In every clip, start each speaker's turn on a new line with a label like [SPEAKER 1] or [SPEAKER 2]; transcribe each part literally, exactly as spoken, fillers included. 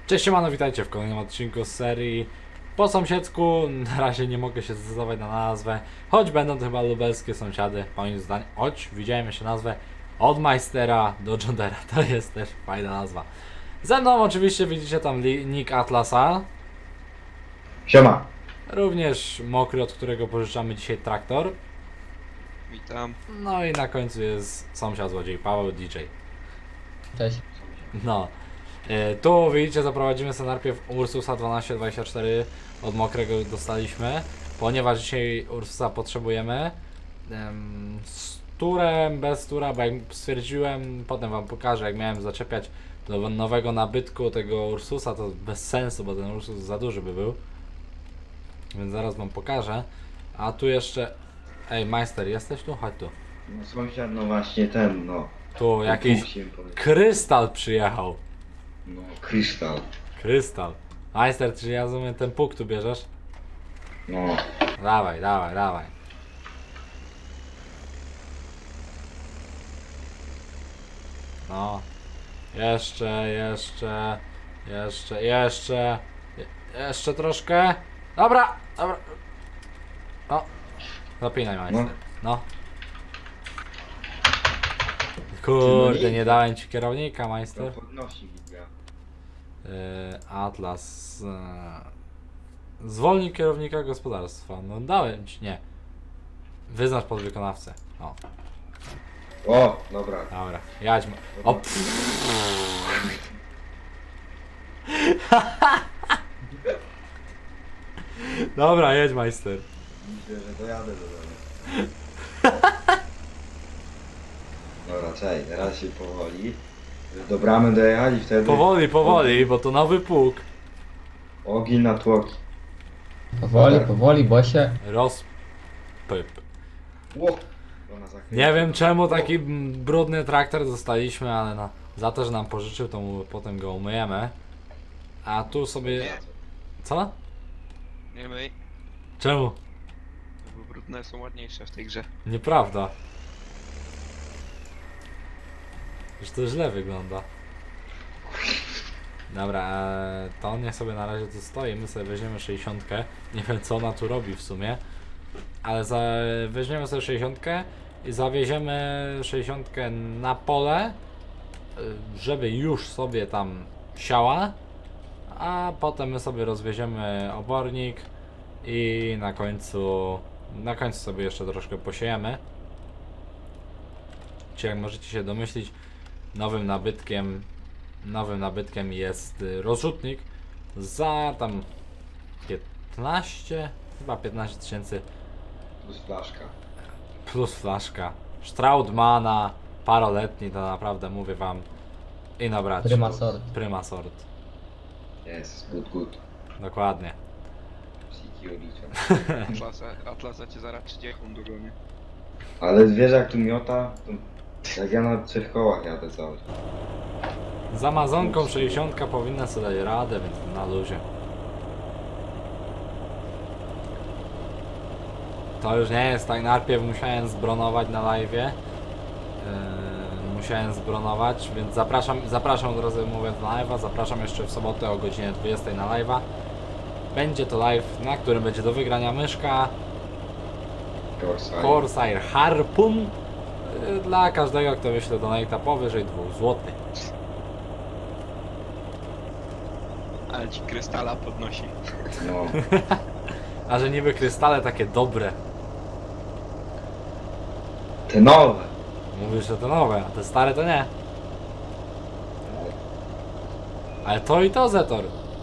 [SPEAKER 1] Cześć, siemano, witajcie w kolejnym odcinku z serii po sąsiedzku. Na razie nie mogę się zdecydować na nazwę, choć będą to chyba lubelskie sąsiady, moim zdaniem. Choć widziałem jeszcze nazwę od Majstera do Jondera, to jest też fajna nazwa. Ze mną oczywiście widzicie tam nick Atlasa.
[SPEAKER 2] Siema.
[SPEAKER 1] Również Mokry, od którego pożyczamy dzisiaj traktor.
[SPEAKER 3] Witam.
[SPEAKER 1] No i na końcu jest sąsiad złodziej Paweł D J.
[SPEAKER 4] Cześć.
[SPEAKER 1] No. E, Tu widzicie, zaprowadzimy sobie najpierw Ursusa dwanaście dwadzieścia cztery od Mokrego dostaliśmy, ponieważ dzisiaj Ursusa potrzebujemy. Em, Z turem, bez tura, bo jak stwierdziłem, potem wam pokażę, jak miałem zaczepiać do nowego nabytku tego Ursusa, to bez sensu, bo ten Ursus za duży by był. Więc zaraz wam pokażę. A tu jeszcze... Ej, Majster, jesteś tu? Chodź tu.
[SPEAKER 2] No sąsiad, no właśnie ten, no.
[SPEAKER 1] Tu jakiś
[SPEAKER 2] Chciałem powiedzieć.
[SPEAKER 1] krystal przyjechał.
[SPEAKER 2] No, kryształ.
[SPEAKER 1] Krystal. Majster, czy ja rozumiem, ten puk tu bierzesz?
[SPEAKER 2] No.
[SPEAKER 1] Dawaj, dawaj, dawaj. No. Jeszcze, jeszcze, jeszcze, jeszcze, je- jeszcze troszkę. Dobra, dobra. No. Zapinaj, majster. No. Kurde, nie dałem ci kierownika,
[SPEAKER 2] To
[SPEAKER 1] majster.
[SPEAKER 2] podnosi widzę.
[SPEAKER 1] Yy, Atlas. Yy, zwolnij kierownika gospodarstwa. No dałem ci, nie. Wyznacz podwykonawcę. O,
[SPEAKER 2] O, dobra.
[SPEAKER 1] dobra. Jadź. ma- O, pff. Dobra, jedź, majster.
[SPEAKER 2] Myślę, że dojadę do domu. Dobra, czekaj, teraz się powoli. Do bramy dojechali, wtedy
[SPEAKER 1] Powoli, powoli, bo to nowy pług.
[SPEAKER 2] ogień na tłoki.
[SPEAKER 4] Powoli, powoli, bo się...
[SPEAKER 1] Rozpyp.
[SPEAKER 2] Ło! Ona zakręca.
[SPEAKER 1] Nie wiem czemu taki mm, brudny traktor dostaliśmy, ale no, za to, że nam pożyczył, to mu potem go umyjemy. A tu sobie...
[SPEAKER 3] Nie.
[SPEAKER 1] Co?
[SPEAKER 3] Nie myj,
[SPEAKER 1] Czemu?
[SPEAKER 3] bo brudne są ładniejsze w tej grze.
[SPEAKER 1] Nieprawda. Już to źle wygląda. Dobra, e, to niech sobie na razie tu stoi, my sobie weźmiemy sześćdziesiątkę. Nie wiem co ona tu robi w sumie. Ale za, weźmiemy sobie sześćdziesiątkę i zawieziemy sześćdziesiątkę na pole, y, żeby już sobie tam siała. A potem my sobie rozwieziemy obornik i na końcu, na końcu sobie jeszcze troszkę posiejemy. Czy jak możecie się domyślić, nowym nabytkiem nowym nabytkiem jest y, rozrzutnik za tam piętnaście, chyba piętnaście tysięcy
[SPEAKER 2] Plus flaszka.
[SPEAKER 1] plus flaszka. Straudmana, paroletni, to naprawdę mówię wam i na braci.
[SPEAKER 4] Prima sort.
[SPEAKER 1] Prima sort.
[SPEAKER 2] Jest, good, good.
[SPEAKER 1] Dokładnie.
[SPEAKER 2] Psiki odliczam.
[SPEAKER 3] Atlasa, Atlasa cię zaraz trzydziestką dogonię.
[SPEAKER 2] Ale wiesz jak tu miota? To jak ja na trzech kołach jadę cały czas.
[SPEAKER 1] Z Amazonką sześćdziesiątka powinna sobie dać radę, więc na luzie. To już nie jest tak, najpierw musiałem zbronować na live'ie. Yy, musiałem zbronować, więc zapraszam, zapraszam od razu mówiąc na live'a, zapraszam jeszcze w sobotę o godzinie dwudziestej na live'a. Będzie to live, na którym będzie do wygrania myszka
[SPEAKER 2] Corsair.
[SPEAKER 1] Corsair Harpoon yy, dla każdego, kto wyśle donate'a powyżej dwóch złotych.
[SPEAKER 3] Ale ci krystala podnosi.
[SPEAKER 2] No.
[SPEAKER 1] A że niby krystale takie dobre.
[SPEAKER 2] Te nowe.
[SPEAKER 1] Mówisz, że to nowe, a te stare to nie. Ale to i to Zetor.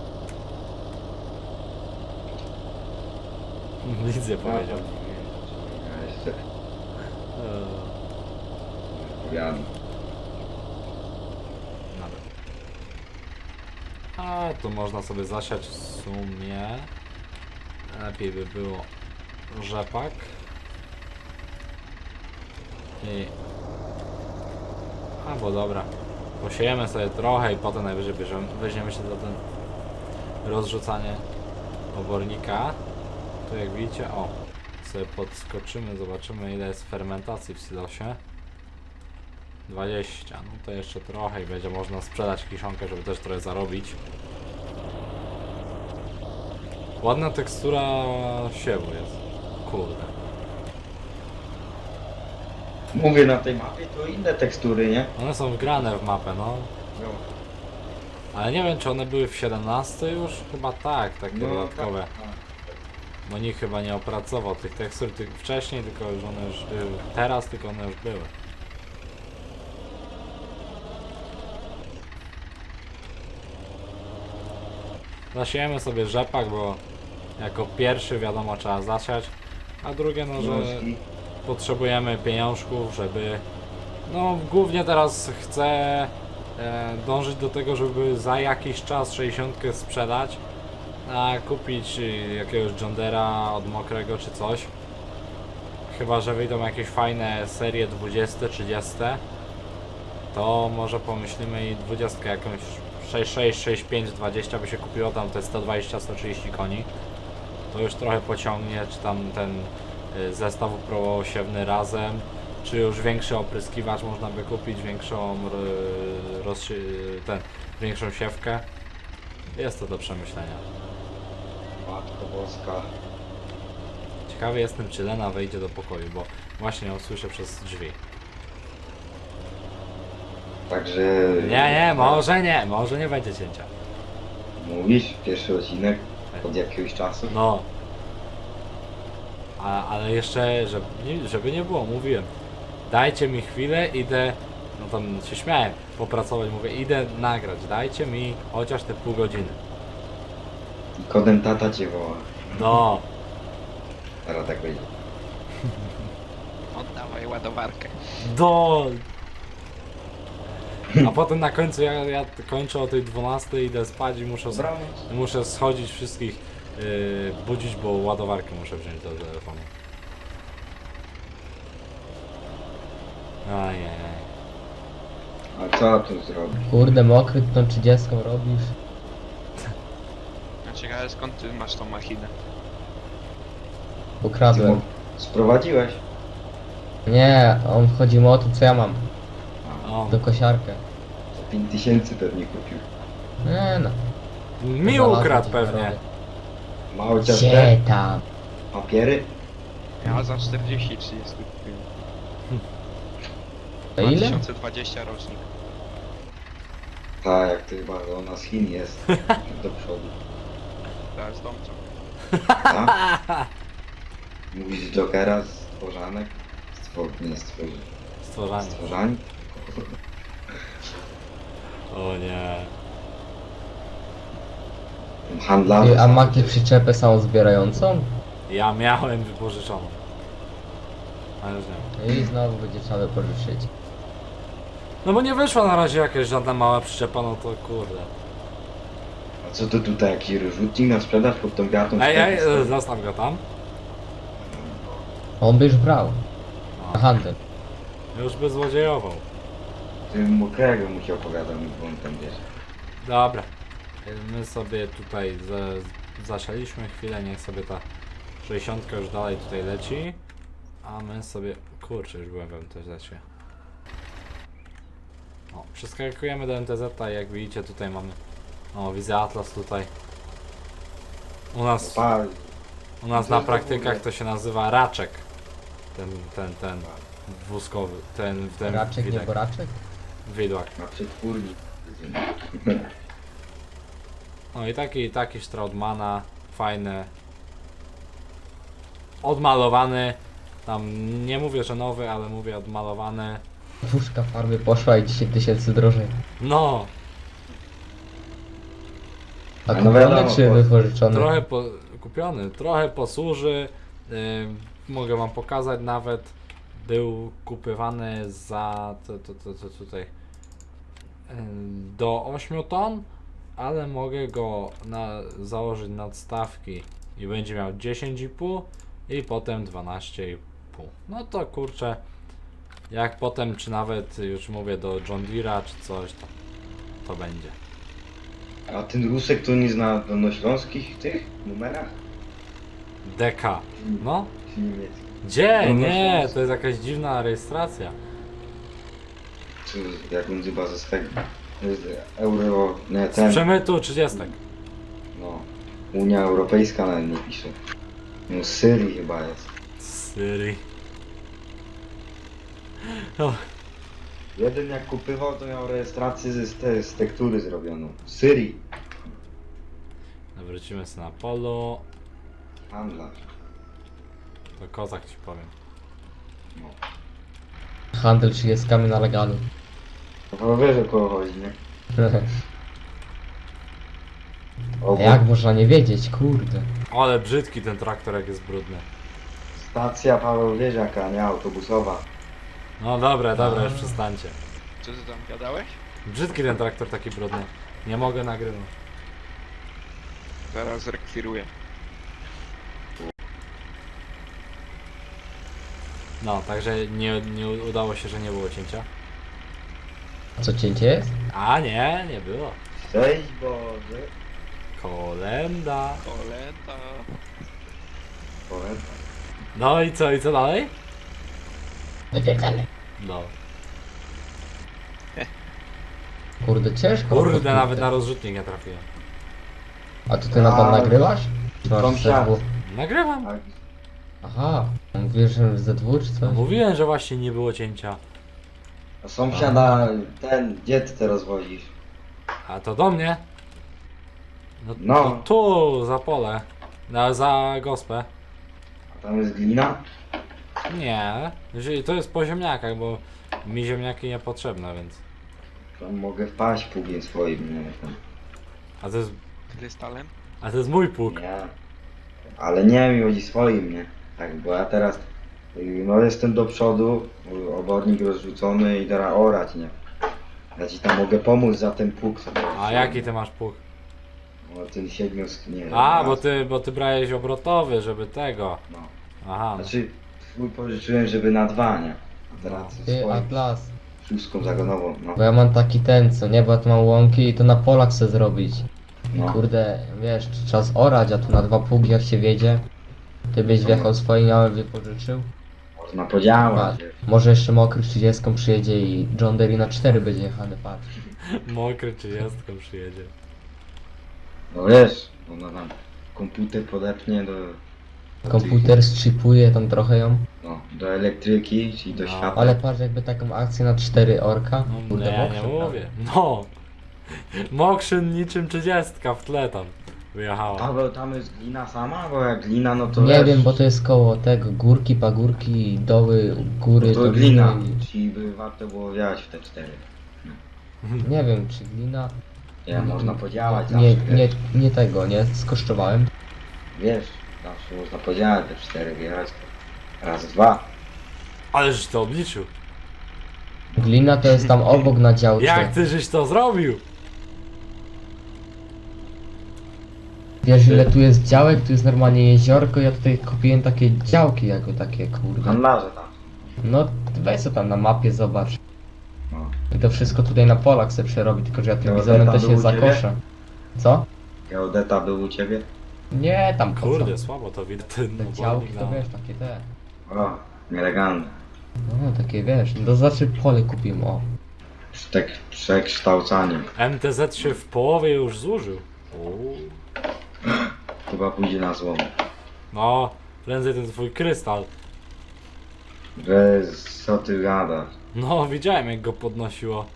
[SPEAKER 1] Nic nie powiedział.
[SPEAKER 2] Ja jeszcze
[SPEAKER 1] Eee,
[SPEAKER 2] powiadam.
[SPEAKER 1] Dobra. A tu można sobie zasiać w sumie. Lepiej by było rzepak. I... A bo dobra. Posiejemy sobie trochę i potem najwyżej bierzemy, weźmiemy się za ten rozrzucanie obornika. Tu jak widzicie, o, sobie podskoczymy, zobaczymy ile jest fermentacji w silosie. dwadzieścia, no to jeszcze trochę i będzie można sprzedać kiszonkę, żeby też trochę zarobić. Ładna tekstura siewu jest. Kurde.
[SPEAKER 2] Mówię, na tej mapie to inne tekstury, nie?
[SPEAKER 1] One są wgrane w mapę, no.
[SPEAKER 2] No,
[SPEAKER 1] Ale nie wiem, czy one były w siedemnastce już? Chyba tak, takie
[SPEAKER 2] no
[SPEAKER 1] dodatkowe.
[SPEAKER 2] tak, tak.
[SPEAKER 1] Bo nikt chyba nie opracował tych tekstur tych wcześniej, tylko już one już były. Teraz tylko one już były. Zasiejemy sobie rzepak, bo jako pierwszy wiadomo trzeba zasiać, a drugie no, że
[SPEAKER 2] Książki.
[SPEAKER 1] potrzebujemy pieniążków, żeby no głównie teraz chcę e, dążyć do tego, żeby za jakiś czas sześćdziesiątkę sprzedać, a kupić y, jakiegoś John Deere'a od mokrego czy coś. Chyba że wyjdą jakieś fajne serie dwudzieste, trzydzieste, to może pomyślimy i dwudziestkę jakąś sześć sześć, sześć pięć, dwadzieścia by się kupiło, tam te sto dwadzieścia, sto trzydzieści koni. To już trochę pociągnie, czy tam ten y, zestaw uprawosiewny razem, czy już większy opryskiwacz można by kupić, większą y, roz, ten, większą siewkę. Jest to do przemyślenia.
[SPEAKER 2] Matko Boska.
[SPEAKER 1] Ciekawy jestem, czy Lena wejdzie do pokoju, bo właśnie ją słyszę przez drzwi.
[SPEAKER 2] Także...
[SPEAKER 1] Nie, nie, może nie, może nie będzie cięcia.
[SPEAKER 2] Mówisz, pierwszy odcinek od jakiegoś czasu.
[SPEAKER 1] No. A, ale jeszcze, żeby nie, żeby nie było, mówiłem. Dajcie mi chwilę, idę, no tam się śmiałem, popracować, mówię, idę nagrać, dajcie mi chociaż te pół godziny.
[SPEAKER 2] I kodem tata cię woła.
[SPEAKER 1] No,
[SPEAKER 2] Teraz tak będzie.
[SPEAKER 3] Oddawaj ładowarkę.
[SPEAKER 1] do... A potem na końcu ja, ja kończę o tej dwunastej, idę spać i muszę,
[SPEAKER 2] Dobranoc.
[SPEAKER 1] muszę schodzić wszystkich, yy, budzić, bo ładowarkę muszę wziąć do telefonu. Ajajaj.
[SPEAKER 2] A co tu zrobić?
[SPEAKER 4] Kurde, mokry ty tą trzydziestką robisz.
[SPEAKER 3] A ciekawe skąd ty masz tą machinę?
[SPEAKER 4] Ukradłem.
[SPEAKER 2] Sprowadziłeś?
[SPEAKER 4] Nie, on wchodzi mu o to, co ja mam.
[SPEAKER 1] O,
[SPEAKER 4] Do kosiarkę.
[SPEAKER 2] Za pięć tysięcy pewnie kupił.
[SPEAKER 4] Nie no.
[SPEAKER 1] mi
[SPEAKER 4] Znalazłem
[SPEAKER 1] ukradł
[SPEAKER 4] coś
[SPEAKER 1] pewnie.
[SPEAKER 4] na rowie.
[SPEAKER 2] Ma chociaż
[SPEAKER 4] Gdzie
[SPEAKER 2] te
[SPEAKER 4] tam?
[SPEAKER 2] papiery?
[SPEAKER 3] Ja za czterdzieści trzydzieści kupiłem.
[SPEAKER 4] To ile?
[SPEAKER 3] dwa tysiące dwudziesty rocznik.
[SPEAKER 2] Tak, jak to chyba ona z Chin jest. Do przodu.
[SPEAKER 3] Teraz domczą.
[SPEAKER 2] Tak? Mówisz z Jokera, z Tworzanek? Stwor... nie stworzy...
[SPEAKER 1] Stworzanie.
[SPEAKER 2] Stworzani?
[SPEAKER 1] O nie.
[SPEAKER 2] Ten handlarz...
[SPEAKER 4] Ty, a macie przyczepę samozbierającą?
[SPEAKER 1] Ja miałem wypożyczoną. Ale już nie.
[SPEAKER 4] No i znowu będzie trzeba wypożyczyć.
[SPEAKER 1] No bo nie wyszła na razie jakaś żadna mała przyczepa, no to kurde.
[SPEAKER 2] A co to tutaj, jakiś rozrzutnik na sprzedaż pod tą wiatą?
[SPEAKER 1] Ej, ej, e, zostaw go tam.
[SPEAKER 4] On by już brał. Na handel.
[SPEAKER 1] Już by złodziejował.
[SPEAKER 2] Ty mokrego mu się opowiadał, bo on tam wiesz.
[SPEAKER 1] Dobra. My sobie tutaj za, zasialiśmy chwilę, niech sobie ta sześćdziesiątka już dalej tutaj leci. A my sobie... Kurczę, już byłem w M T Z-cie. O, przeskakujemy do M T Z-a i jak widzicie tutaj mamy... O, widzę Atlas tutaj. U nas,
[SPEAKER 2] Pal.
[SPEAKER 1] u nas
[SPEAKER 2] Co
[SPEAKER 1] na
[SPEAKER 2] to w
[SPEAKER 1] praktykach
[SPEAKER 2] ogóle?
[SPEAKER 1] to się nazywa raczek. Ten, ten, ten wózkowy, ten, ten
[SPEAKER 4] Raczek, nie
[SPEAKER 1] widok,
[SPEAKER 4] boraczek?
[SPEAKER 1] widłak.
[SPEAKER 2] Na przetwórni.
[SPEAKER 1] No i taki, taki Straudmana, fajny. Odmalowany. Tam nie mówię, że nowy, ale mówię odmalowany.
[SPEAKER 4] Puszka farby poszła i dziesięć tysięcy drożej.
[SPEAKER 1] No,
[SPEAKER 4] A
[SPEAKER 2] No
[SPEAKER 4] kupiony
[SPEAKER 2] wiadomo,
[SPEAKER 4] czy
[SPEAKER 2] bo-
[SPEAKER 4] wypożyczony?
[SPEAKER 1] trochę po, kupiony, trochę posłuży. Yy, mogę wam pokazać nawet. Był kupywany za to, to, to, to tutaj yy, do ośmiu ton, ale mogę go na, założyć nadstawki i będzie miał dziesięć i pół i potem dwanaście i pół. No to kurczę, jak potem, czy nawet już mówię do John Deere'a czy coś, to, to będzie.
[SPEAKER 2] A ten Rusek to nie zna dolnośląskich tych numerach?
[SPEAKER 1] D K. No?
[SPEAKER 2] Czy niemieckich?
[SPEAKER 1] Gdzie?
[SPEAKER 2] No, no,
[SPEAKER 1] Nie,
[SPEAKER 2] no.
[SPEAKER 1] to jest jakaś dziwna rejestracja.
[SPEAKER 2] Czy jak on chyba ze swego... To jest euro... nie,
[SPEAKER 1] Z
[SPEAKER 2] ten...
[SPEAKER 1] przemytu trzydziestek.
[SPEAKER 2] No. Unia Europejska nawet nie pisze. No z Syrii chyba jest.
[SPEAKER 1] Syrii. O,
[SPEAKER 2] Jeden jak kupywał, to miał rejestrację z, te, z tektury zrobioną. W Syrii.
[SPEAKER 1] wrócimy sobie na polu.
[SPEAKER 2] Handlarz.
[SPEAKER 1] To kozak ci powiem.
[SPEAKER 2] No.
[SPEAKER 4] Handel trzydziestkami na legalu.
[SPEAKER 2] To wiesz o kogo chodzi, nie? Obok
[SPEAKER 4] Jak można nie wiedzieć, kurde.
[SPEAKER 1] Ale brzydki ten traktor jak jest brudny.
[SPEAKER 2] stacja Paweł Wieżaka, nie autobusowa.
[SPEAKER 1] No dobra, dobra, już przestańcie.
[SPEAKER 3] Co ty tam gadałeś?
[SPEAKER 1] Brzydki ten traktor taki brudny. Nie mogę nagrywać.
[SPEAKER 3] Zaraz zrekwiruję.
[SPEAKER 1] No, także nie, nie udało się, że nie było cięcia.
[SPEAKER 4] Co cięcie jest?
[SPEAKER 1] A nie, nie było.
[SPEAKER 2] Cześć Boże.
[SPEAKER 1] Kolenda.
[SPEAKER 3] Kolenda.
[SPEAKER 2] Powiem.
[SPEAKER 1] No i co, i co dalej?
[SPEAKER 4] Wypierdalaj.
[SPEAKER 1] No.
[SPEAKER 4] Kurde, ciężko.
[SPEAKER 1] Kurde,
[SPEAKER 4] kurde.
[SPEAKER 1] nawet na rozrzutnik nie trafiłem.
[SPEAKER 4] A to ty na tam
[SPEAKER 2] A,
[SPEAKER 4] nagrywasz? Czy masz
[SPEAKER 2] sąsiad.
[SPEAKER 4] Z dwa?
[SPEAKER 1] Nagrywam.
[SPEAKER 2] Tak.
[SPEAKER 4] Aha, mówisz, że z dwóch czy
[SPEAKER 1] No,
[SPEAKER 4] coś?
[SPEAKER 1] mówiłem, że właśnie nie było cięcia.
[SPEAKER 2] A sąsiada, ten, gdzie ty teraz wozisz?
[SPEAKER 1] A to do mnie. No,
[SPEAKER 2] No.
[SPEAKER 1] to tu, za pole. Na, za gospę.
[SPEAKER 2] A tam jest glina?
[SPEAKER 1] Nie. Jeżeli- To jest po ziemniakach, bo mi ziemniaki niepotrzebne, więc.
[SPEAKER 2] Tam mogę wpaść pługiem swoim, nie tam.
[SPEAKER 1] A to jest,
[SPEAKER 3] Krystalem?
[SPEAKER 1] a to jest mój pług.
[SPEAKER 2] Nie. Ale nie mi chodzi swoim, nie? Tak, bo ja teraz, y, no jestem do przodu, y, obornik rozrzucony i teraz orać, nie? Ja ci tam mogę pomóc za ten pług sobie.
[SPEAKER 1] A jaki ty masz pług?
[SPEAKER 2] No ten siedmios, nie
[SPEAKER 1] A,
[SPEAKER 2] raz.
[SPEAKER 1] bo ty, bo ty brałeś obrotowy, żeby tego.
[SPEAKER 2] No.
[SPEAKER 1] Aha.
[SPEAKER 2] Znaczy, twój pożyczyłem, żeby na dwa, nie? A teraz
[SPEAKER 1] No.
[SPEAKER 4] Ty,
[SPEAKER 2] swoim,
[SPEAKER 4] Atlas.
[SPEAKER 2] szóstką zagonową, no.
[SPEAKER 4] Bo ja mam taki ten, co nie, bo ja tu mam łąki i to na polach chcę zrobić.
[SPEAKER 2] No.
[SPEAKER 4] Kurde, wiesz, czas orać, a tu na dwa pługi jak się wiedzie. Ty byś wjechał swoim, ja bym wypożyczył.
[SPEAKER 2] Można podziałać.
[SPEAKER 4] Patrz, może jeszcze mokry trzydziestką przyjedzie i John Deere na cztery będzie jechany, patrz.
[SPEAKER 1] Mokry trzydziestką przyjedzie.
[SPEAKER 2] No wiesz, ona tam komputer podepnie do,
[SPEAKER 4] Komputer zchipuje tam trochę ją.
[SPEAKER 2] no, do elektryki, czyli do
[SPEAKER 1] No.
[SPEAKER 2] światła.
[SPEAKER 4] Ale patrz, jakby taką akcję na cztery orka.
[SPEAKER 1] No, no
[SPEAKER 4] Kurde,
[SPEAKER 1] ja nie
[SPEAKER 4] mokrzy,
[SPEAKER 1] mówię. No. Mokrzyn niczym trzydziestka w tle tam wyjechała.
[SPEAKER 2] Paweł, tam jest glina sama? Bo jak glina, no to
[SPEAKER 4] Nie
[SPEAKER 2] wiesz,
[SPEAKER 4] wiem, bo to jest koło tego, górki, pagórki, doły, góry.
[SPEAKER 2] to, to glina,
[SPEAKER 4] gliny.
[SPEAKER 2] czyli by warto było wjechać w te cztery.
[SPEAKER 4] Nie wiem, czy glina.
[SPEAKER 2] Nie, można podziałać
[SPEAKER 4] Nie,
[SPEAKER 2] zawsze,
[SPEAKER 4] nie,
[SPEAKER 2] wiesz.
[SPEAKER 4] nie tego, nie skosztowałem.
[SPEAKER 2] Wiesz, zawsze można podziałać te cztery, wjechać. Raz, dwa.
[SPEAKER 1] Ależ to obliczył.
[SPEAKER 4] Glina to jest tam obok na działce.
[SPEAKER 1] Jak ty żeś to zrobił?
[SPEAKER 4] Wiesz, ile tu jest działek, tu jest normalnie jeziorko, ja tutaj kupiłem takie działki jako takie, kurde.
[SPEAKER 2] Handlarze tam.
[SPEAKER 4] No, weź co tam na mapie zobacz.
[SPEAKER 2] No.
[SPEAKER 4] I to wszystko tutaj na polach chcę przerobić, tylko że ja tym
[SPEAKER 2] Geodeta
[SPEAKER 4] bizonem to
[SPEAKER 2] był
[SPEAKER 4] się
[SPEAKER 2] u ciebie?
[SPEAKER 4] zakoszę. Co?
[SPEAKER 2] Geodeta był u ciebie?
[SPEAKER 4] Nie, tam po co?
[SPEAKER 1] Kurde, słabo to widać. Ten
[SPEAKER 4] Te
[SPEAKER 1] obornik
[SPEAKER 4] działki to
[SPEAKER 1] na-
[SPEAKER 4] wiesz, takie te.
[SPEAKER 2] O, nielegalne.
[SPEAKER 4] No, takie wiesz, no to znaczy pole kupiłem, o.
[SPEAKER 2] Tak przekształcaniem.
[SPEAKER 1] M T Z się w połowie już zużył. Uuu.
[SPEAKER 2] Chyba pójdzie na złom.
[SPEAKER 1] No, prędzej ten twój krystal.
[SPEAKER 2] Że co ty gadasz?
[SPEAKER 1] No, widziałem jak go podnosiło.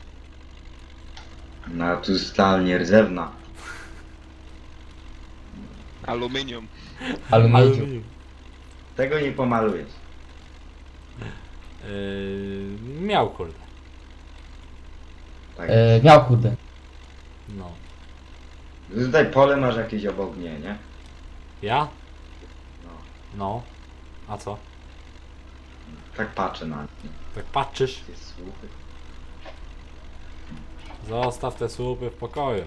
[SPEAKER 2] No tu stal nierdzewna.
[SPEAKER 3] Aluminium.
[SPEAKER 4] Aluminium.
[SPEAKER 2] Tego nie pomalujesz.
[SPEAKER 1] Yy, miał kurde.
[SPEAKER 2] Tak.
[SPEAKER 4] E, miał kurde.
[SPEAKER 1] No.
[SPEAKER 2] Tutaj pole masz jakieś obok mnie, nie?
[SPEAKER 1] Ja?
[SPEAKER 2] No.
[SPEAKER 1] No. A co?
[SPEAKER 2] Tak patrzę na nie.
[SPEAKER 1] Tak patrzysz?
[SPEAKER 2] Te słupy.
[SPEAKER 1] Zostaw te słupy w pokoju.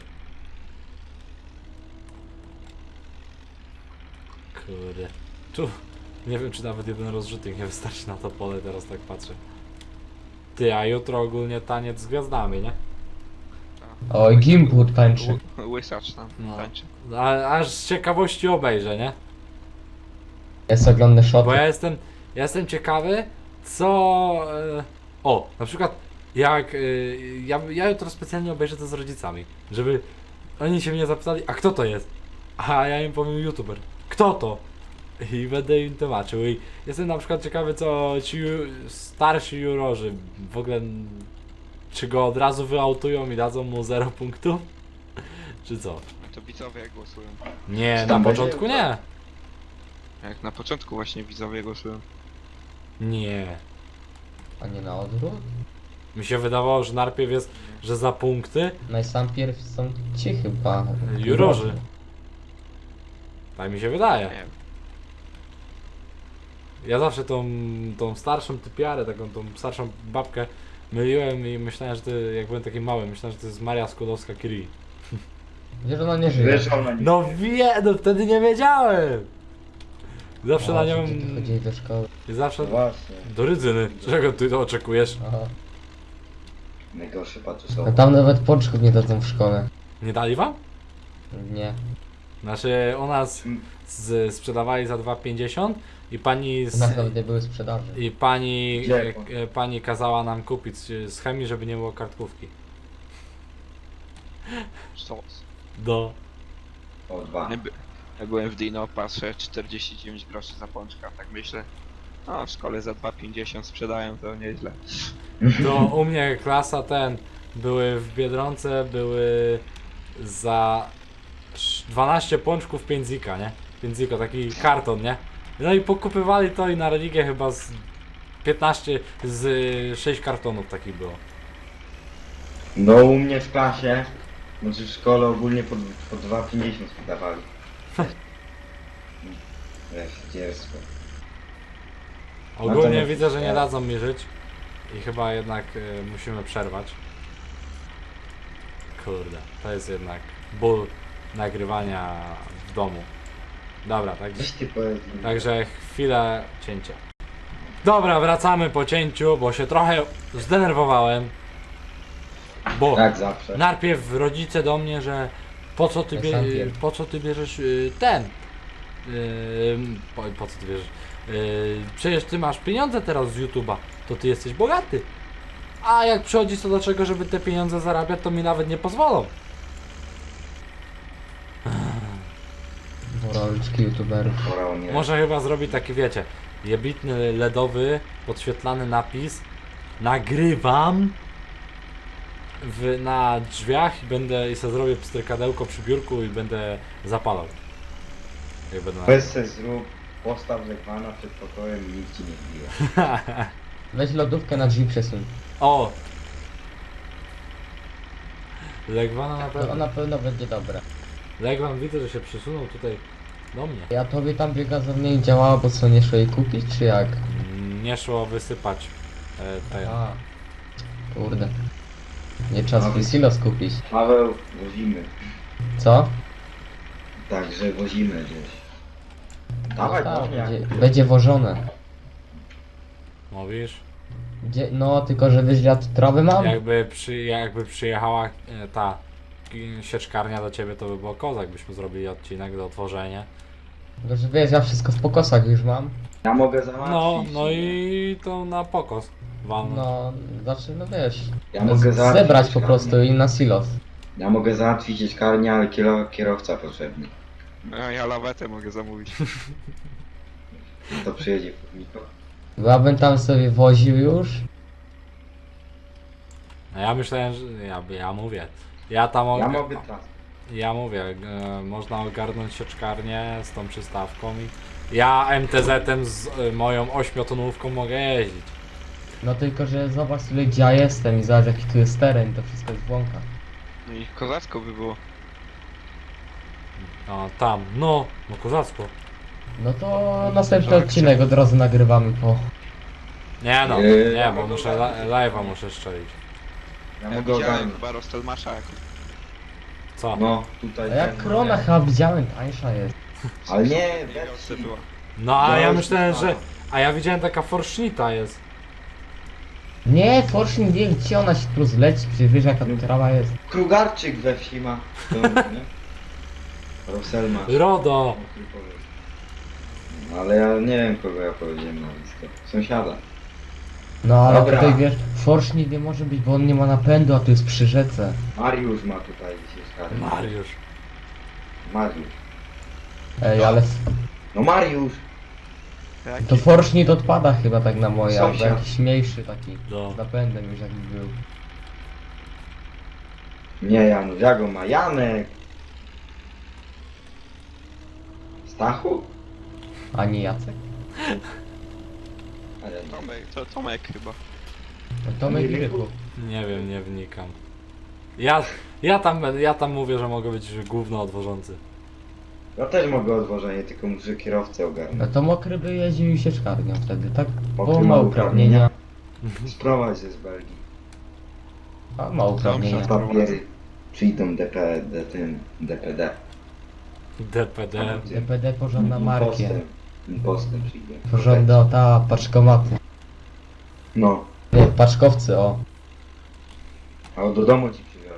[SPEAKER 1] Kurde. Tu. Nie wiem czy nawet jeden rozrzutnik nie wystarczy na to pole, teraz tak patrzę. Ty, a jutro ogólnie taniec z gwiazdami, nie?
[SPEAKER 4] Oj, Gimpur tańczy.
[SPEAKER 3] Ł- Łysacz tam
[SPEAKER 1] No.
[SPEAKER 3] tańczy.
[SPEAKER 1] A, aż z ciekawości obejrzę, nie?
[SPEAKER 4] Ja sobie oglądam shoty.
[SPEAKER 1] Bo ja jestem, ja jestem ciekawy, co... E, o, na przykład jak... E, ja, ja jutro specjalnie obejrzę to z rodzicami, żeby oni się mnie zapytali, a kto to jest? A ja im powiem youtuber. Kto to? I będę im tłumaczył. I jestem na przykład ciekawy, co ci ju- starsi jurorzy w ogóle, czy go od razu wyautują i dadzą mu zero punktów? Czy co?
[SPEAKER 3] No to widzowie głosują.
[SPEAKER 1] Nie,
[SPEAKER 2] Czy
[SPEAKER 1] na
[SPEAKER 2] tam będzie
[SPEAKER 1] początku nie.
[SPEAKER 3] Jak na początku właśnie widzowie głosują.
[SPEAKER 1] Nie.
[SPEAKER 4] A nie na odwrót?
[SPEAKER 1] Mi się wydawało, że najpierw jest, że za punkty
[SPEAKER 4] Najpierw są ci chyba.
[SPEAKER 1] jurorzy. Tak mi się wydaje.
[SPEAKER 3] Nie wiem.
[SPEAKER 1] Ja zawsze tą, tą starszą typiarę, taką tą starszą babkę myliłem i myślałem, że to, jak byłem taki mały, myślałem, że to jest Maria Skłodowska-Curie.
[SPEAKER 4] Wiesz, ona nie żyje.
[SPEAKER 2] Wiesz, ona nie...
[SPEAKER 1] No wie, no wtedy nie wiedziałem! Zawsze na
[SPEAKER 4] O,
[SPEAKER 1] nią...
[SPEAKER 4] że ty chodzili do szkoły.
[SPEAKER 1] Zawsze...
[SPEAKER 2] No właśnie.
[SPEAKER 1] Do Rydzyny. Czego ty to oczekujesz?
[SPEAKER 4] Aha.
[SPEAKER 2] Najgorszy
[SPEAKER 4] No
[SPEAKER 2] patusowy.
[SPEAKER 4] tam nawet pączków nie dadzą w szkole.
[SPEAKER 1] Nie dali wam?
[SPEAKER 4] Nie.
[SPEAKER 1] Znaczy u nas z, sprzedawali za dwa pięćdziesiąt i pani
[SPEAKER 4] U
[SPEAKER 1] z,
[SPEAKER 4] nas nawet nie były sprzedaży.
[SPEAKER 1] i pani,
[SPEAKER 2] Gdzie?
[SPEAKER 1] e, e, pani kazała nam kupić z chemii, żeby nie było kartkówki.
[SPEAKER 3] Sos.
[SPEAKER 1] Do...
[SPEAKER 2] O dwa.
[SPEAKER 3] Ja, by, ja byłem w Dino, patrzę czterdzieści dziewięć groszy za pączka, tak myślę. No w szkole za dwa pięćdziesiąt sprzedają, to nieźle.
[SPEAKER 1] To u mnie klasa ten, były w Biedronce, były za sz- dwanaście pączków pięć zika, nie? pięć ziko, taki karton, nie? No i pokupywali to i na religię chyba z piętnaście, z y, sześć kartonów takich było.
[SPEAKER 2] No u mnie w klasie, znaczy w szkole ogólnie po, po dwa pięćdziesiąt sprzedawali. Wiesz, dziecko.
[SPEAKER 1] Ogólnie
[SPEAKER 2] Natomiast-
[SPEAKER 1] widzę, że nie dadzą mi żyć i chyba jednak y, musimy przerwać. Kurde, to jest jednak ból nagrywania w domu. Dobra, tak.
[SPEAKER 2] Coś ty powiedz mi.
[SPEAKER 1] Także chwilę cięcia. Dobra, wracamy po cięciu, bo się trochę zdenerwowałem. Bo
[SPEAKER 2] Jak zawsze.
[SPEAKER 1] najpierw rodzice do mnie, że po co ty,
[SPEAKER 4] Jak
[SPEAKER 1] bie,
[SPEAKER 4] sam pier-
[SPEAKER 1] po co ty bierzesz y, ten? Y, po, po co ty bierzesz? Y, przecież ty masz pieniądze teraz z YouTube'a, to ty jesteś bogaty. A jak przychodzi co do czego, żeby te pieniądze zarabiać, to mi nawet nie pozwolą.
[SPEAKER 4] Moralczki youtuberów.
[SPEAKER 2] Porał mnie.
[SPEAKER 1] Może chyba zrobić taki, wiecie, jebitny ledowy, podświetlany napis. Nagrywam w, na drzwiach i będę i sobie zrobię pstrykadełko przy biurku i będę zapalał. Jak będę
[SPEAKER 2] Weź se zrób, postaw zegwana przed pokojem i nikt ci nie wbije.
[SPEAKER 4] Weź lodówkę na drzwi przesuń.
[SPEAKER 1] O! Legwana na
[SPEAKER 4] To
[SPEAKER 1] pewno.
[SPEAKER 4] na pewno będzie dobre.
[SPEAKER 1] Legwan widzę, że się przesunął tutaj do mnie.
[SPEAKER 4] Ja tobie tam biegazownia nie działała, bo co, nie szło jej kupić, czy jak?
[SPEAKER 1] Mm, Nie szło wysypać e, ten.
[SPEAKER 4] A. Kurde. Nie trzeba
[SPEAKER 2] No.
[SPEAKER 4] swój silos kupić.
[SPEAKER 2] Paweł, wozimy.
[SPEAKER 4] Co?
[SPEAKER 2] Także wozimy gdzieś. Dawaj,
[SPEAKER 4] Tak,
[SPEAKER 2] dawaj.
[SPEAKER 4] będzie, będzie wożone.
[SPEAKER 1] Mówisz?
[SPEAKER 4] Gdzie, no, tylko że wiesz, ja tu trawę mam.
[SPEAKER 1] Jakby, przy, jakby przyjechała e, ta e, sieczkarnia do ciebie, to by było kozak, byśmy zrobili odcinek do otworzenia.
[SPEAKER 4] Tylko że wiesz, ja wszystko w pokosach już mam.
[SPEAKER 2] Ja mogę załatwić.
[SPEAKER 1] No, no
[SPEAKER 2] nie?
[SPEAKER 1] i to na pokos. Wam.
[SPEAKER 4] No, znaczy, no wiesz.
[SPEAKER 2] Ja mogę
[SPEAKER 4] z-
[SPEAKER 2] załatwić
[SPEAKER 4] zebrać po
[SPEAKER 2] sieczkarnię.
[SPEAKER 4] prostu i na silos.
[SPEAKER 2] Ja mogę załatwić sieczkarnię, ale kiero, kierowca potrzebny.
[SPEAKER 3] A ja lawetę mogę zamówić.
[SPEAKER 2] To przyjedzie po
[SPEAKER 4] Bo ja bym tam sobie woził już.
[SPEAKER 1] No ja myślałem, że. Ja, ja mówię. Ja tam
[SPEAKER 2] Ja
[SPEAKER 1] og-
[SPEAKER 2] mogę teraz.
[SPEAKER 1] Ja mówię, e, można ogarnąć sieczkarnię z tą przystawką i ja M T Z-em z e, moją ośmiotonówką mogę jeździć.
[SPEAKER 4] No tylko, że zobacz sobie gdzie ja jestem i zobacz jaki tu jest teren, to wszystko jest błąka.
[SPEAKER 3] No i kozacko by było.
[SPEAKER 1] A tam, no, no kozacko.
[SPEAKER 4] No to następny
[SPEAKER 3] Tak,
[SPEAKER 4] odcinek od razu nagrywamy po...
[SPEAKER 1] Nie no,
[SPEAKER 2] Yy,
[SPEAKER 1] nie, bo muszę la- live'a muszę strzelić.
[SPEAKER 2] Ja
[SPEAKER 3] Ja
[SPEAKER 2] mogę
[SPEAKER 3] widziałem
[SPEAKER 2] ogarnąć.
[SPEAKER 3] chyba Rostelmasza jak
[SPEAKER 1] Co?
[SPEAKER 2] No, tutaj.
[SPEAKER 4] A jak
[SPEAKER 2] ten,
[SPEAKER 4] krona chyba widziałem, tańsza jest.
[SPEAKER 2] Ale nie,
[SPEAKER 3] nie
[SPEAKER 2] weź
[SPEAKER 3] była.
[SPEAKER 1] No a ja
[SPEAKER 2] już
[SPEAKER 1] myślałem, że.
[SPEAKER 2] mam.
[SPEAKER 1] A ja widziałem taka forsznita jest.
[SPEAKER 4] Nie, Fortune wie gdzie ona się tu zleci, przecież wiesz jaka tu trawa jest.
[SPEAKER 2] Krugarczyk we wsi ma. To, nie? Roselma.
[SPEAKER 1] RODO!
[SPEAKER 2] No, ale ja nie wiem kogo ja powiedziałem na listę. Sąsiada.
[SPEAKER 4] No ale
[SPEAKER 2] Dobra.
[SPEAKER 4] tutaj wiesz, Fortune nie może być, bo on nie ma napędu, a tu jest przy rzece.
[SPEAKER 2] Mariusz ma tutaj sieczkarnię.
[SPEAKER 1] Mariusz.
[SPEAKER 2] Mariusz.
[SPEAKER 4] Ej, ale
[SPEAKER 2] No Mariusz!
[SPEAKER 3] Jaki?
[SPEAKER 4] to Forschnitt odpada chyba tak na moje, albo
[SPEAKER 2] Sąsiad.
[SPEAKER 4] jakiś mniejszy taki.
[SPEAKER 1] No.
[SPEAKER 4] Z napędem już jakiś był.
[SPEAKER 2] Nie Janusz, jak on ma? Janek! Stachu?
[SPEAKER 4] A nie Jacek?
[SPEAKER 2] Ale nie.
[SPEAKER 3] Tomek, to Tomek chyba.
[SPEAKER 4] No Tomek i Rychu.
[SPEAKER 1] Nie wiem, nie wnikam. Ja, ja, tam, będę- ja tam mówię, że mogę być gówno odwożący.
[SPEAKER 2] Ja też mogę odwożenie, tylko muszę kierowcę
[SPEAKER 4] No
[SPEAKER 2] ogarnąć.
[SPEAKER 4] to Mokry by jeździł sieczkarnią wtedy, tak?
[SPEAKER 2] Mokry
[SPEAKER 4] Bo
[SPEAKER 2] ma
[SPEAKER 4] ma
[SPEAKER 2] uprawnienia.
[SPEAKER 4] uprawnienia.
[SPEAKER 2] Sprowadź ze z Belgii.
[SPEAKER 4] A ma uprawnienia.
[SPEAKER 2] Papiery przyjdą D P D, tym D P D.
[SPEAKER 1] D P D.
[SPEAKER 4] D P D porządna markie.
[SPEAKER 2] Impostem. Impostem przyjdą.
[SPEAKER 4] Porządna ta paczkomaty.
[SPEAKER 2] No,
[SPEAKER 4] Nie, paczkowcy, o.
[SPEAKER 2] a do domu ci przywiozą.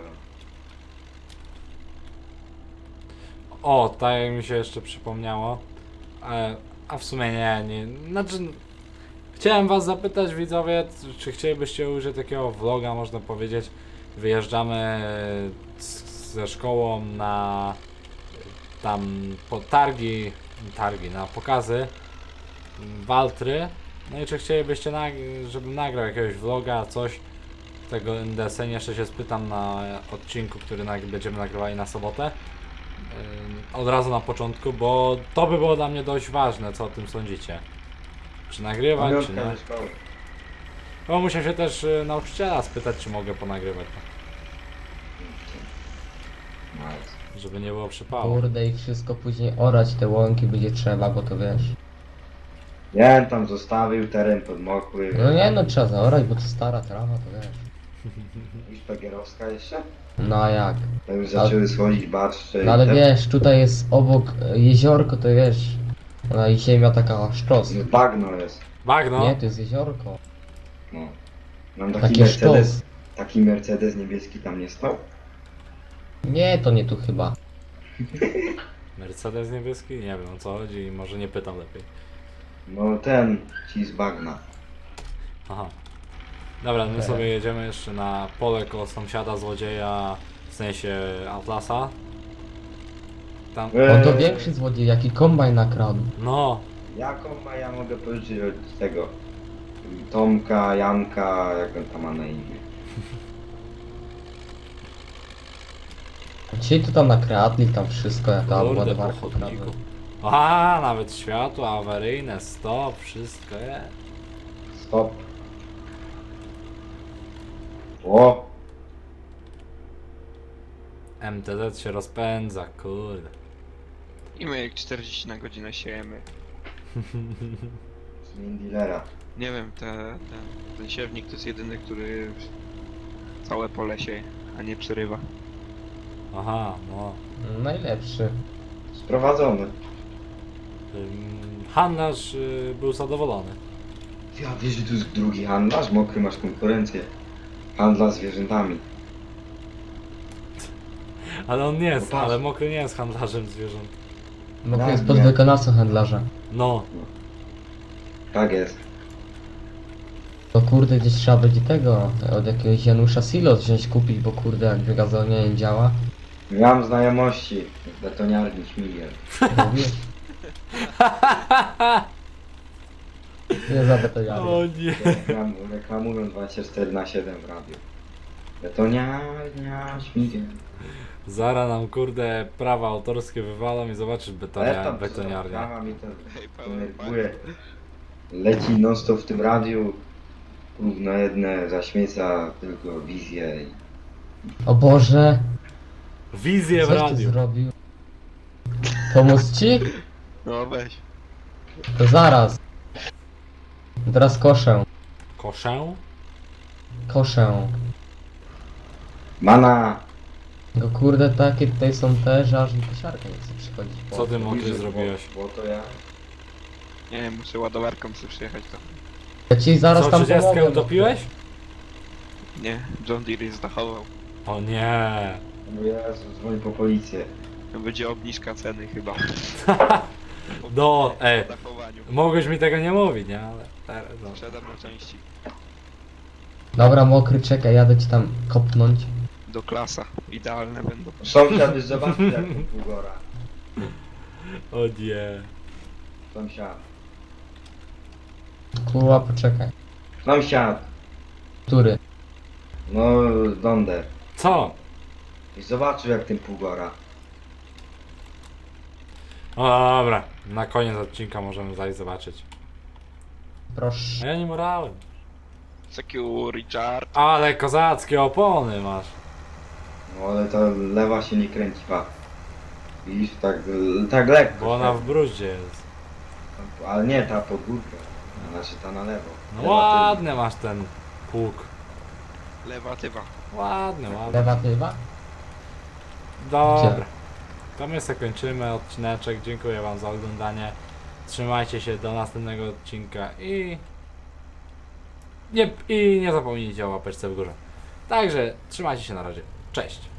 [SPEAKER 1] O, tak jak mi się jeszcze przypomniało. E, a w sumie nie, nie. Znaczy, chciałem was zapytać, widzowie, czy chcielibyście użyć takiego vloga, można powiedzieć. Wyjeżdżamy z, ze szkołą na tam po targi, targi, na pokazy Waltry. No i czy chcielibyście, nag- żebym nagrał jakiegoś vloga, coś tego N D S N. Jeszcze się spytam na odcinku, który nag- będziemy nagrywali na sobotę. Ym, Od razu na początku, bo to by było dla mnie dość ważne, co o tym sądzicie. Czy nagrywać, czy
[SPEAKER 2] Pamiątka
[SPEAKER 1] nie.
[SPEAKER 2] ze szkoły.
[SPEAKER 1] Bo muszę się też y, nauczyciela spytać, czy mogę ponagrywać,
[SPEAKER 2] Nice.
[SPEAKER 1] żeby nie było przypału.
[SPEAKER 4] Kurde i wszystko później orać te łąki będzie trzeba, bo to wiesz.
[SPEAKER 2] Ja bym tam zostawił teren podmokły.
[SPEAKER 4] No nie no, trzeba zaorać, bo to stara trawa, to wiesz.
[SPEAKER 2] I szpagierowska jeszcze?
[SPEAKER 4] No a jak?
[SPEAKER 2] To już zaczęły schodzić barszcze.
[SPEAKER 4] No ale wiesz, tutaj jest obok e, jeziorko, to wiesz. Ona i ziemia taka sztos.
[SPEAKER 2] No, bagno jest.
[SPEAKER 1] Bagno!
[SPEAKER 4] Nie, to jest jeziorko.
[SPEAKER 2] No. Mam taki
[SPEAKER 4] Takie
[SPEAKER 2] Mercedes.
[SPEAKER 4] sztos.
[SPEAKER 2] Taki Mercedes niebieski tam nie stał?
[SPEAKER 4] Nie, to nie tu chyba.
[SPEAKER 1] Mercedes niebieski? Nie wiem o co chodzi i może nie pytam lepiej.
[SPEAKER 2] No ten ci z bagna.
[SPEAKER 1] Aha. Dobra, my
[SPEAKER 4] Okej.
[SPEAKER 1] sobie jedziemy jeszcze na pole koło sąsiada złodzieja, w sensie Atlasa. Tam.
[SPEAKER 2] Eee,
[SPEAKER 4] On to większy złodziej, jaki kombajn nakradł.
[SPEAKER 1] No,
[SPEAKER 2] Jaką ma ja mogę pożyczyć od tego Tomka, Janka, jak on tam ma na imię?
[SPEAKER 4] Dzisiaj to tam nakradli, tam wszystko, ja tam
[SPEAKER 1] kurde,
[SPEAKER 4] ładowarkę
[SPEAKER 1] po
[SPEAKER 4] ukradłem.
[SPEAKER 1] chodniku. A, nawet światło awaryjne, stop, wszystko jest.
[SPEAKER 2] Stop. O!
[SPEAKER 1] M T Z się rozpędza, kurde.
[SPEAKER 3] I my jak czterdzieści na godzinę siejemy.
[SPEAKER 2] Zmień dealera.
[SPEAKER 3] Nie wiem, te, ten, ten siewnik to jest jedyny, który całe pole sieje, a nie przerywa.
[SPEAKER 1] Aha, no.
[SPEAKER 4] Najlepszy.
[SPEAKER 2] Sprowadzony.
[SPEAKER 1] Ym, Handlarz y, był zadowolony.
[SPEAKER 2] Ja wiesz, że tu jest drugi handlarz? Mokry, masz konkurencję. Handla zwierzętami.
[SPEAKER 1] Ale on nie jest,
[SPEAKER 2] No patrz.
[SPEAKER 1] ale Mokry nie jest handlarzem zwierząt.
[SPEAKER 4] No to
[SPEAKER 2] Tak,
[SPEAKER 4] jest
[SPEAKER 2] nie.
[SPEAKER 4] podwykonawcą handlarza.
[SPEAKER 1] No,
[SPEAKER 2] Tak jest.
[SPEAKER 4] To kurde gdzieś trzeba będzie tego, od jakiegoś Janusza Silos wziąć kupić, bo kurde jak wygazowanie nie działa.
[SPEAKER 2] Miałem znajomości w betoniarni Śmigel.
[SPEAKER 4] Mówisz? Nie za betoniarnię.
[SPEAKER 1] o nie.
[SPEAKER 2] Reklam, reklamują dwadzieścia cztery na siedem w radiu. Betoniarnia Śmigel.
[SPEAKER 1] Zara nam kurde prawa autorskie wywalą i zobaczysz betonia, betoniarnia.
[SPEAKER 2] Prawa mi to
[SPEAKER 3] Hej, Paweł,
[SPEAKER 2] denerwuje. Leci non stop w tym radiu. Równo jedne zaśmieca tylko wizję. i-
[SPEAKER 4] O Boże,
[SPEAKER 1] Wizję w
[SPEAKER 4] coś ty
[SPEAKER 1] radiu.
[SPEAKER 4] zrobił? Pomóc ci?
[SPEAKER 3] No weź.
[SPEAKER 4] To zaraz. Teraz koszę.
[SPEAKER 1] Koszę?
[SPEAKER 4] Koszę.
[SPEAKER 2] Mana!
[SPEAKER 4] No kurde, takie tutaj są te, że aż mi kosiarka nie chce przychodzić. po.
[SPEAKER 1] Co ty Mokry
[SPEAKER 2] Mówisz, że
[SPEAKER 1] zrobiłeś?
[SPEAKER 2] Bo, bo to ja.
[SPEAKER 3] Nie wiem, muszę ładowarką sobie przyjechać to.
[SPEAKER 4] Ja ci zaraz
[SPEAKER 1] Co,
[SPEAKER 4] tam
[SPEAKER 1] trzydziestkę
[SPEAKER 4] pomogę.
[SPEAKER 1] utopiłeś?
[SPEAKER 3] Nie, John Deere jest zachował.
[SPEAKER 1] O nie.
[SPEAKER 2] Bo Jezu, dzwoń po policję.
[SPEAKER 3] To będzie obniżka ceny chyba.
[SPEAKER 1] No, ej.
[SPEAKER 3] Po zachowaniu.
[SPEAKER 1] Mogłeś mi tego nie mówić, nie? Ale teraz, no.
[SPEAKER 3] Sprzedam na części.
[SPEAKER 4] Dobra, Mokry, czekaj, jadę ci tam kopnąć.
[SPEAKER 3] Do klasa. Idealne będą.
[SPEAKER 2] Sąsiad już zobaczył jak to półgora.
[SPEAKER 1] O nie.
[SPEAKER 2] Sąsiad.
[SPEAKER 4] Kurwa, poczekaj.
[SPEAKER 2] Sąsiad.
[SPEAKER 4] Który?
[SPEAKER 2] No, Donder.
[SPEAKER 1] Co?
[SPEAKER 2] I zobaczył jak ten półgora.
[SPEAKER 1] O dobra, na koniec odcinka możemy zajść zobaczyć. A
[SPEAKER 4] Proszę.
[SPEAKER 1] ja nie morałem.
[SPEAKER 3] Secure, Richard.
[SPEAKER 1] Ale kozackie opony masz.
[SPEAKER 2] No ale ta lewa się nie kręci, pa. Widzisz, tak, tak lekko.
[SPEAKER 1] Bo ona w bruździe jest.
[SPEAKER 2] Ale nie, ta podwórka. Znaczy ta na lewo.
[SPEAKER 1] No
[SPEAKER 2] Lewa
[SPEAKER 1] ładny masz ten pług.
[SPEAKER 3] Lewa tywa.
[SPEAKER 1] Ładny, ładny.
[SPEAKER 4] Lewa tywa?
[SPEAKER 1] Dobra. To my sobie kończymy odcineczek. Dziękuję wam za oglądanie. Trzymajcie się do następnego odcinka i nie, i nie zapomnijcie o łapeczce w górze. Także trzymajcie się na razie. Cześć.